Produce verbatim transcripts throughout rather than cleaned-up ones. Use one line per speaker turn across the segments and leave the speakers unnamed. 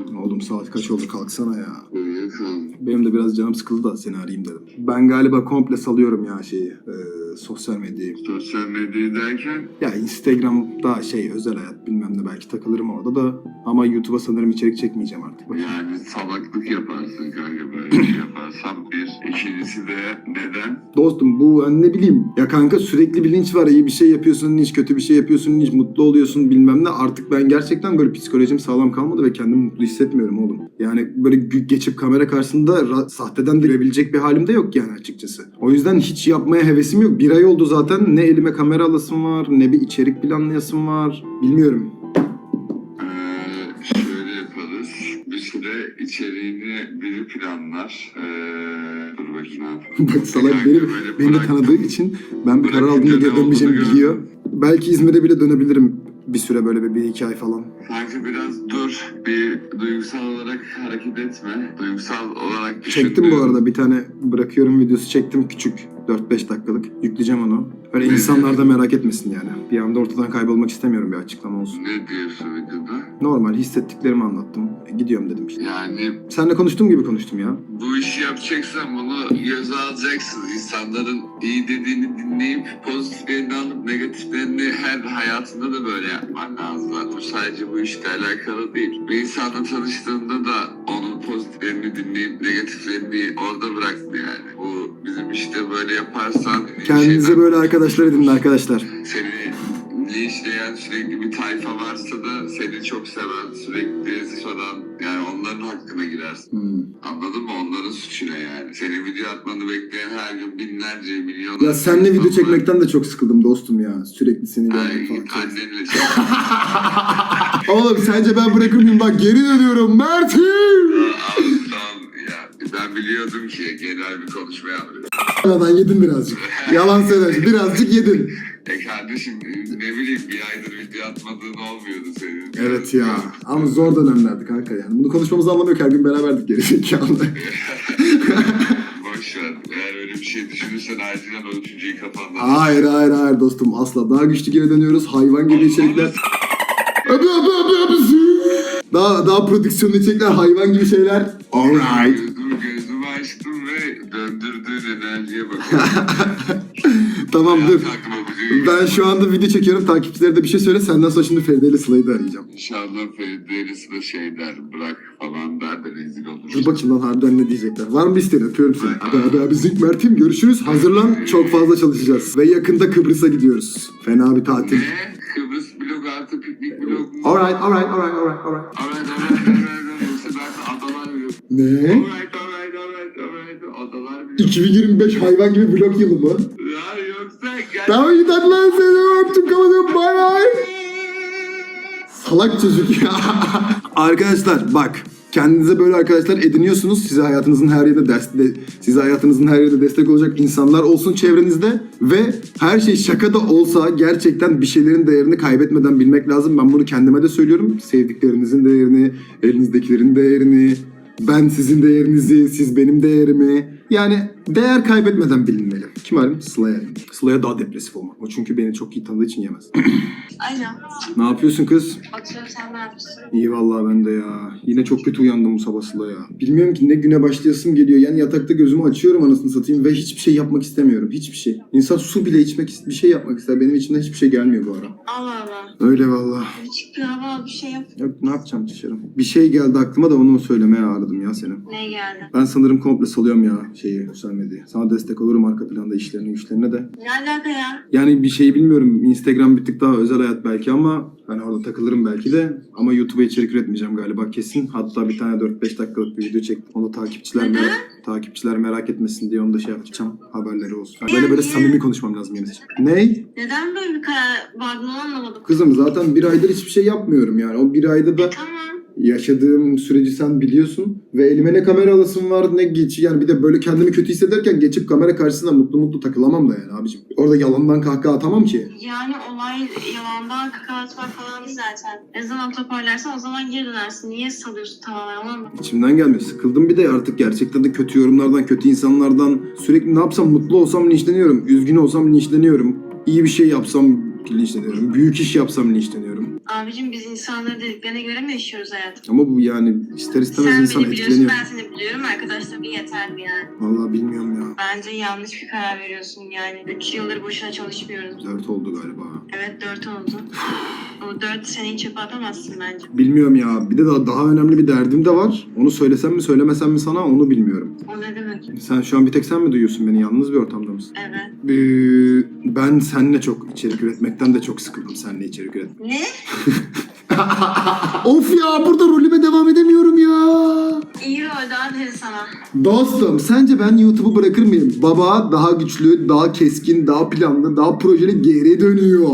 Oğlum saat kaç oldu, kalksana ya.
Uyuyorsun.
Benim de biraz canım sıkıldı da seni arayayım dedim. Ben galiba komple salıyorum ya şeyi, e, sosyal medyayı.
Sosyal medyayı derken
Ya Instagram'da şey özel hayat bilmem ne, belki takılırım orada da. Ama YouTube'a sanırım içerik çekmeyeceğim artık.
yani salaklık yaparsın kanka, böyle bir şey yaparsan bir. İkincisi de neden?
Dostum bu hani ne bileyim ya kanka, sürekli bir linç var. İyi bir şey yapıyorsun linç, kötü bir şey yapıyorsun linç, mutlu oluyorsun bilmem ne. Artık ben gerçekten böyle psikolojim sağlam kalmadı ve kendimi mutlu hissetmiyorum oğlum. Yani böyle gü- geçip kamera karşısında ra- sahteden de görebilecek bir halim de yok yani açıkçası. O yüzden hiç yapmaya hevesim yok. Bir ay oldu zaten, ne elime kamera alasım var ne bir içerik planlayasım var. Bilmiyorum.
Ee, şöyle yaparız. Bir süre içeriğini biri planlar. Ee, dur bakayım ne yapalım.
Bak salak
Kanka
beni,
böyle
beni de
bıraktım.
tanıdığı için ben bir karar
Bırakınca
aldığımda
ne
geri dönmeyeceğimi
olduğunu
biliyor. Belki İzmir'e bile dönebilirim bir süre, böyle bir, bir iki ay falan.
Kanka biraz dur. Bir duygusal olarak hareket etme. Duygusal olarak
Çektim bu
düşündüğün-
arada bir tane bırakıyorum videosu çektim, küçük dört beş dakikalık. Yükleyeceğim onu. Öyle
Ne
insanlar da merak etmesin yani. Bir anda ortadan kaybolmak istemiyorum, bir açıklama olsun.
Ne diyorsun videoda?
Normal hissettiklerimi anlattım. E, gidiyorum dedim işte.
Yani
Seninle konuştuğum gibi konuştum ya.
bu işi yapacaksan bunu göze alacaksın. İnsanların iyi dediğini dinleyip pozitiflerini alıp negatiflerini her hayatında da böyle yapman lazım. Bu sadece bu işle alakalı değil. Bir insanla tanıştığında da onun pozitiflerini dinleyip negatiflerini orada bırakma yani. Bu bizim işte böyle yaparsan
Kendinize
şeyden-
böyle arkadaşlar edinin arkadaşlar.
seni linçleyen sürekli bir tayfa varsa da seni çok seven, sürekli soran, yani onların hakkına girersin.
Hmm.
Anladın mı? Onların suçuna yani. Senin video atmanı bekleyen her gün binlerce, milyonlarca...
Ya seninle video
insan var.
çekmekten de çok sıkıldım dostum ya. Sürekli seni görmek
Ay,
falan.
annenle çek.
Oğlum sence ben bırakır mıyım? Bak geri dönüyorum Mert'im.
Abi tamam ya. Ben biliyordum ki genel bir konuşma yapıyorsun.
Yalan yedin birazcık. Yalan söyle, birazcık yedin.
E kardeşim ne bileyim bir aydır video atmadığın olmuyordu senin.
Evet ya. Ama zor dönemlerdi kanka yani. Bunu konuşmamızı anlamıyor ki, her gün beraberdik gerizekalı.
Boş ver. Eğer öyle bir şey düşünürsen acilen o üçüncüyü kafandan.
Hayır hayır hayır dostum, asla. Daha güçlü geri dönüyoruz. Hayvan gibi içerikler. Öpü öpü öpü öpü. Daha, daha prodüksiyonlu içerikler, hayvan gibi şeyler. Alright.
Gözümü, gözümü açtım ve döndürdüğün enerjiye bakıyorum.
Tamam dur.
Aklıma bu düğün-
Ben şu anda video çekiyorum. Takipçilere de bir şey söyle. Senden sonra şimdi Feride ile Sıla'yı da arayacağım.
İnşallah Feride'lisi de şey der, bırak falan der de rezil olur.
Dur bakayım lan harbiden ne diyecekler. Var mı bir isteğin? Öpüyorum seni. Abi abi abi Zink Mert'im, görüşürüz. Hazırlan, çok fazla çalışacağız. Ve yakında Kıbrıs'a gidiyoruz. Fena bir tatil.
Ne? Kıbrıs blok artı piknik blok mu?
Alright alright alright alright alright.
Alright, alright, alright. Yoksa ben adalar biliyorum.
Ne?
Alright, alright, alright, alright. Adalar biliyorum.
iki bin yirmi beş hayvan gibi vlog yılı mı?
Ya yoksa gel.
Tamam iyi hadi lan, seni öptüm, kapatıyorum, bay bay. Salak çocuk ya. Arkadaşlar bak, kendinize böyle arkadaşlar ediniyorsunuz. Size hayatınızın her yerinde ders, de, size hayatınızın her yerinde destek olacak insanlar olsun çevrenizde ve her şey şaka da olsa gerçekten bir şeylerin değerini kaybetmeden bilmek lazım. Ben bunu kendime de söylüyorum. Sevdiklerinizin değerini, elinizdekilerin değerini, ben sizin değerinizi, siz benim değerimi. Yani değer kaybetmeden bilinmeli. Kim arayayım? Sıla'ya arayayım. Sıla'ya daha depresif olmak. O çünkü beni çok iyi tanıdığı için yemez.
Aynen.
Ne yapıyorsun kız?
Atıyorum, sen ne yapıyorsun?
İyi vallahi ben de ya. Yine çok kötü uyandım bu sabah Sıla ya. Bilmiyorum ki ne güne başlayasım geliyor. Yani yatakta gözümü açıyorum anasını satayım ve hiçbir şey yapmak istemiyorum. Hiçbir şey. İnsan su bile içmek, bir şey yapmak ister. Benim içimden hiçbir şey gelmiyor bu ara.
Allah Allah.
Öyle vallahi.
Bir çık bir hava al, bir şey yap.
Yok ne yapacağım dışarı. Bir şey geldi aklıma da onu söylemeye aradım ya seni.
Ne geldi?
Ben sanırım komple salıyorum ya şeyi, sosyal medyayı. Sana destek olurum arka planda işlerine güçlerine de.
Ne alaka ya?
Yani bir şey bilmiyorum. Instagram bir tık daha özel hayat belki ama hani orada takılırım belki de. Ama YouTube'a içerik üretmeyeceğim galiba kesin. Hatta bir tane dört beş dakikalık bir video çektim. Onu da takipçiler
Neden?
merak, takipçiler merak etmesin diye onu da şey yapacağım. Haberleri olsun. Yani böyle böyle
Yani-
samimi konuşmam lazım yeni. Ney?
Neden böyle bir karar vardın onu anlamadım.
Kızım zaten bir aydır hiçbir şey yapmıyorum yani. O bir ayda da
Tamam.
yaşadığım süreci sen biliyorsun. Ve elime ne kamera alasım var ne geç. Yani bir de böyle kendimi kötü hissederken geçip kamera karşısında mutlu mutlu takılamam da yani abicim. Orada yalandan kahkaha atamam ki.
Yani olay yalandan kakalatmak falan zaten. Ne zaman toparlarsan o zaman geri dönersin. Niye salıyorsun tamamen anlamadım.
İçimden gelmiyor. Sıkıldım bir de artık gerçekten de kötü yorumlardan, kötü insanlardan. Sürekli ne yapsam mutlu olsam linçleniyorum. Üzgün olsam linçleniyorum. İyi bir şey yapsam linçleniyorum. Büyük iş yapsam linçleniyorum.
Abicim biz insanları dediklerine göre mi yaşıyoruz hayatım?
Ama bu yani ister istemez
Sen
insan
beni biliyorsun,
etkileniyor.
ben seni biliyorum. Arkadaşlar bir yeterli yani.
Vallahi bilmiyorum ya.
Bence yanlış bir karar veriyorsun yani. Üç yıldır boşuna çalışmıyoruz.
Dört oldu galiba.
Evet dört oldu. O dört seneyi çöpe atamazsın bence.
Bilmiyorum ya. Bir de daha, daha önemli bir derdim de var. Onu söylesem mi söylemesem mi sana onu bilmiyorum.
O ne demek?
Sen şu an bir tek sen mi duyuyorsun beni? Yalnız bir ortamda mısın?
Evet.
Ee, ben seninle çok içerik üretmekten de çok sıkıldım seninle içerik üret.
Ne?
Of ya burada rolüme devam edemiyorum ya.
İyi oldu aferin sana.
Dostum sence ben YouTube'u bırakır mıyım? Baba daha güçlü, daha keskin, daha planlı, daha projeli geri dönüyor.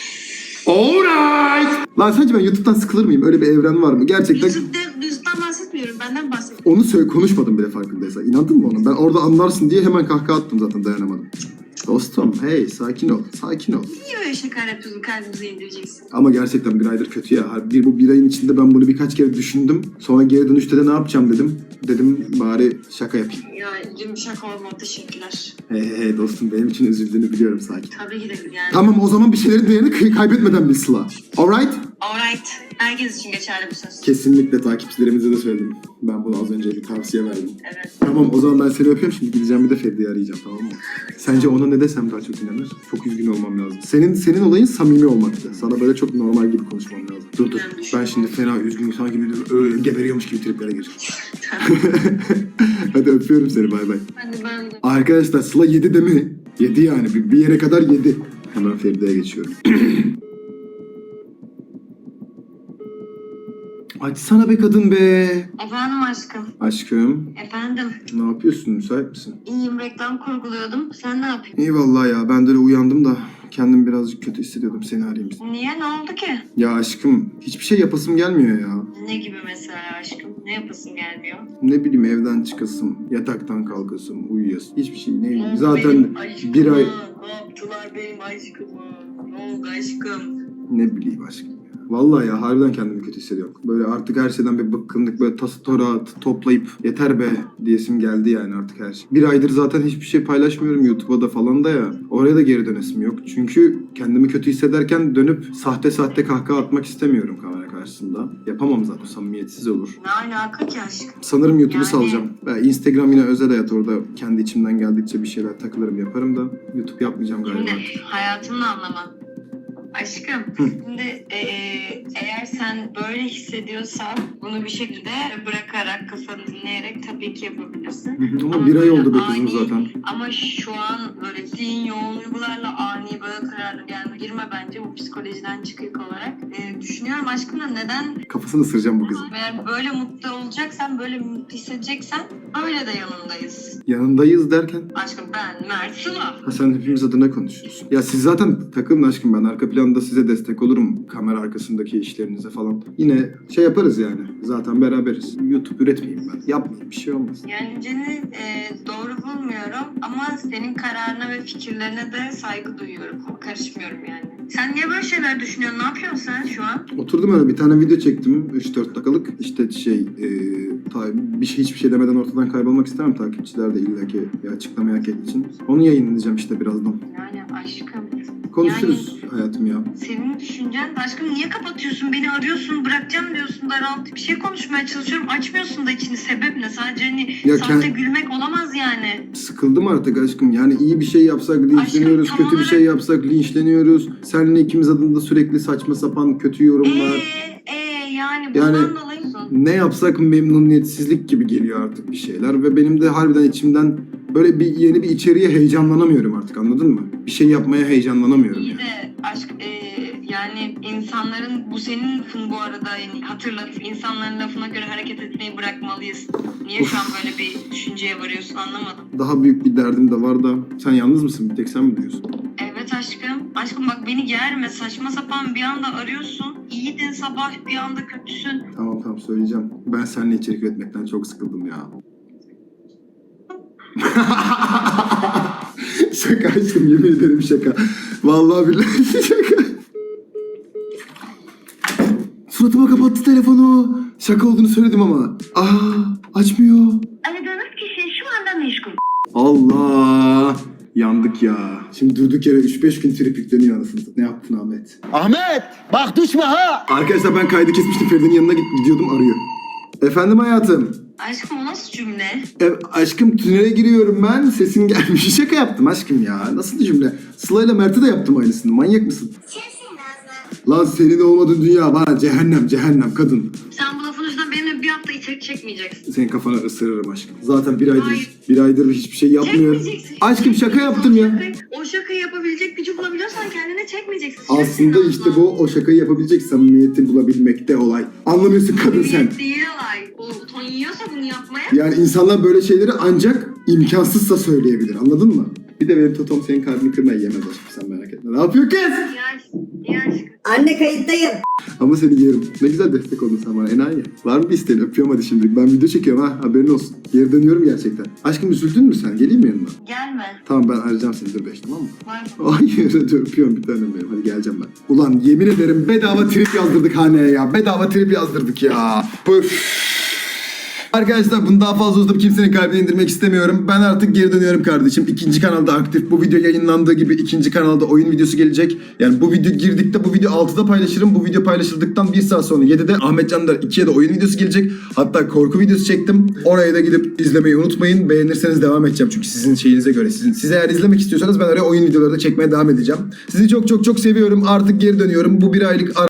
Alright. Lan sence ben YouTube'dan sıkılır mıyım? Öyle bir evren var mı? Gerçekten
Yüzükte, yüzükten bahsetmiyorum. Benden bahsediyorum.
onu söyle konuşmadım bile farkındaysan. İnandın mı ona? Ben orada anlarsın diye hemen kahkaha attım zaten dayanamadım. Dostum hey sakin ol, sakin ol.
Niye böyle şakalar yapıyorsun? Kalbimizi indireceksin.
Ama gerçekten bir aydır kötü ya. Bir, bu bir ayın içinde ben bunu birkaç kere düşündüm. Sonra geri dönüşte de ne yapacağım dedim. Dedim bari şaka yapayım.
Ya yumuşak olma. Teşekkürler.
Hey hey hey dostum benim için üzüldüğünü biliyorum sakin.
Tabii ki de yani.
Tamam o zaman bir şeylerin değerini kay- kaybetmeden bil Sıla. Alright?
Alright. Herkes için geçerli bu söz.
Kesinlikle takipçilerimize de söyledim. Ben bunu az önce bir tavsiye verdim.
Evet.
Tamam o zaman ben seni öpüyorum. Şimdi gideceğim bir de Feride'yi arayacağım tamam mı? Sence ona ne desem daha çok inanır? Çok üzgün olmam lazım. Senin senin olayın samimi olmaktı. Sana böyle çok normal gibi konuşmam lazım. Dur dur. Ben şimdi fena üzgün sanki bir öyle geberiyormuş gibi triplere gireceğim. Hadi öpüyorum seni bay bay.
Hadi ben de.
Arkadaşlar Sıla yedi de mi? Yedi yani. Bir, bir yere kadar yedi. Hemen Feride'ye geçiyorum. Açsana be kadın be.
Efendim aşkım.
Aşkım.
Efendim.
Ne yapıyorsun? Müsait misin?
İyiyim, reklam kurguluyordum. Sen ne yapıyorsun?
İyi vallahi ya. Ben de öyle uyandım da kendimi birazcık kötü hissediyordum. Seni arayayım istedim.
Niye? Ne oldu ki?
Ya aşkım hiçbir şey yapasım gelmiyor ya.
Ne gibi mesela aşkım? Ne yapasın gelmiyor?
Ne bileyim evden çıkasım, yataktan kalkasım, uyuyasım. Hiçbir şey ne bileyim.
Ne oldu
Zaten
benim aşkıma?
bir ay
Ne yaptılar benim aşkıma? Ne oldu aşkım?
ne bileyim aşkım ya. Vallahi ya harbiden kendimi kötü hissediyorum. Böyle artık her şeyden bir bıkkınlık böyle tası torağı t- toplayıp yeter be diyesim geldi yani artık her şey. Bir aydır zaten hiçbir şey paylaşmıyorum YouTube'a da falan da ya. Oraya da geri dönesim yok. Çünkü kendimi kötü hissederken dönüp sahte sahte kahkaha atmak istemiyorum kamera karşısında. Yapamam zaten samimiyetsiz olur.
Ne alaka ki aşkım?
Sanırım YouTube'u
Yani-
salacağım. Ben Instagram yine özel hayat orada kendi içimden geldikçe bir şeyler takılırım yaparım da YouTube yapmayacağım galiba.
Şimdi hayatımın anlamı. Aşkım,
Hı.
şimdi eee, eğer sen böyle hissediyorsan bunu bir şekilde bırakarak, kafanı dinleyerek tabii ki yapabilirsin.
Hı hı, Ama bir ay oldu be kızım
ani-
zaten.
Ama şu an böyle zihin yoğun duygularla ani böyle kararlı gelme girme bence bu psikolojiden çıkık olarak. Eee, düşünüyorum aşkım da neden
Kafasını ısıracağım bu kızın.
eğer böyle mutlu olacaksan, böyle mutlu hissedeceksen öyle de yanındayız.
Yanındayız derken
Aşkım ben Mert Sıla.
ha sen hepimiz adına konuşuyorsun. Ya siz zaten takılın aşkım ben arka planda size destek olurum. Kamera arkasındaki işlerinize falan. Yine şey yaparız yani. Zaten beraberiz. YouTube üretmeyeyim ben. Yapmayayım bir şey olmaz.
Yani seni e, doğru bulmuyorum ama senin kararına ve fikirlerine de saygı duyuyorum. Karışmıyorum yani. Sen niye böyle şeyler düşünüyorsun? Ne yapıyorsun sen şu an?
Oturdum öyle bir tane video çektim. üç dört dakikalık. İşte şey e, ta- bir şey hiçbir şey demeden ortadan kaybolmak istemem. Takipçiler de illaki bir açıklama hak ettiği için. Onu yayınlayacağım işte birazdan.
Yani aşkım.
Konuşuruz hayatım ya.
Senin düşüncen aşkım niye kapatıyorsun? Beni arıyorsun, bırakacağım diyorsun, daralt. Bir şey konuşmaya çalışıyorum, açmıyorsun da içini. Sebep ne? Sadece hani
Ya
sahte
kend-
gülmek olamaz yani.
Sıkıldım artık aşkım. Yani iyi bir şey yapsak linçleniyoruz,
Aşkım, tam
kötü bir şey
olarak-
yapsak linçleniyoruz. Seninle ikimiz adında sürekli saçma sapan kötü yorumlar.
Eee ee, yani
Yani-
bundan dolayı
Ne yapsak memnuniyetsizlik gibi geliyor artık bir şeyler ve benim de harbiden içimden böyle bir yeni bir içeriğe heyecanlanamıyorum artık anladın mı? Bir şey yapmaya heyecanlanamıyorum
İyi
yani.
de aşk e, yani insanların bu senin lafın bu arada yani hatırlat insanların lafına göre hareket etmeyi bırakmalıyız. Niye şu an böyle bir düşünceye varıyorsun anlamadım.
Daha büyük bir derdim de var da sen yalnız mısın? Bir tek sen mi diyorsun?
Evet aşkım. Aşkım bak beni germe saçma sapan bir anda arıyorsun. İyiydin sabah bir anda kötüsün.
Tamam tamam söyleyeceğim. Ben seninle içerik üretmekten çok sıkıldım ya. Şaka aşkım yemin ederim şaka. Vallahi billahi şaka. Suratıma kapattı telefonu. Şaka olduğunu söyledim ama. Aa açmıyor.
Aradığınız kişi şu anda meşgul.
Allah. Yandık ya. Şimdi durduk yere üç beş gün trip yükleniyor anasını. Ne yaptın Ahmet?
Ahmet bak düşme ha.
Arkadaşlar ben kaydı kesmiştim. Feride'nin yanına git- gidiyordum arıyor. Efendim hayatım.
Aşkım o nasıl cümle?
E, aşkım tünele giriyorum ben. Sesin gelmiş. Şaka yaptım aşkım ya. Nasıl cümle? Sıla'yla Mert'e de yaptım aynısını. Manyak mısın? Lan senin olmadığın dünya bana cehennem cehennem kadın.
Sen bu lafın yüzünden benimle bir hafta içerik çekmeyeceksin.
Senin kafana ısırırım aşkım. Zaten bir aydır
Hayır.
bir aydır hiçbir şey yapmıyorum.
Çekmeyeceksin.
Aşkım şaka yaptım
O
ya.
şakayı- O şakayı yapabilecek gücü bulabiliyorsan kendine çekmeyeceksin.
Aslında
Çeksin
işte
abla.
bu o şakayı yapabilecek samimiyeti bulabilmekte olay. Anlamıyorsun kadın sen.
Samimiyet değil olay. O ton yiyorsa bunu yapmaya.
Yani insanlar böyle şeyleri ancak imkansızsa söyleyebilir. Anladın mı? Bir de benim totom senin kalbini kırmayı yemez aşkım, sen merak etme. Ne yapıyor kız?
İyi aşkım. İyi aşkım.
Anne kayıttayım.
Ama seni yerim. Ne güzel destek oldun sen bana enayi. Var mı bir isteğin? Öpüyorum hadi şimdi. Ben video çekiyorum ha, haberin olsun. Geri dönüyorum gerçekten. Aşkım üzüldün mü sen? Geleyim mi yanına?
Gelme.
Tamam ben arayacağım seni dur beş, tamam mı?
Var.
Hayır hadi öpüyorum bir tanem benim. Hadi geleceğim ben. Ulan yemin ederim bedava trip yazdırdık haneye ya. Bedava trip yazdırdık ya. Püf. Arkadaşlar bunu daha fazla uzatıp kimsenin kalbini indirmek istemiyorum. Ben artık geri dönüyorum kardeşim. İkinci kanalda aktif. Bu video yayınlandığı gibi ikinci kanalda oyun videosu gelecek. Yani bu video girdikte bu video altıda paylaşırım. Bu video paylaşıldıktan bir saat sonra yedide Ahmet Candar ikiye de oyun videosu gelecek. Hatta korku videosu çektim. Oraya da gidip izlemeyi unutmayın. Beğenirseniz devam edeceğim. Çünkü sizin şeyinize göre. Sizin, siz eğer izlemek istiyorsanız ben oraya oyun videoları da çekmeye devam edeceğim. Sizi çok çok çok seviyorum. Artık geri dönüyorum. Bu bir aylık ara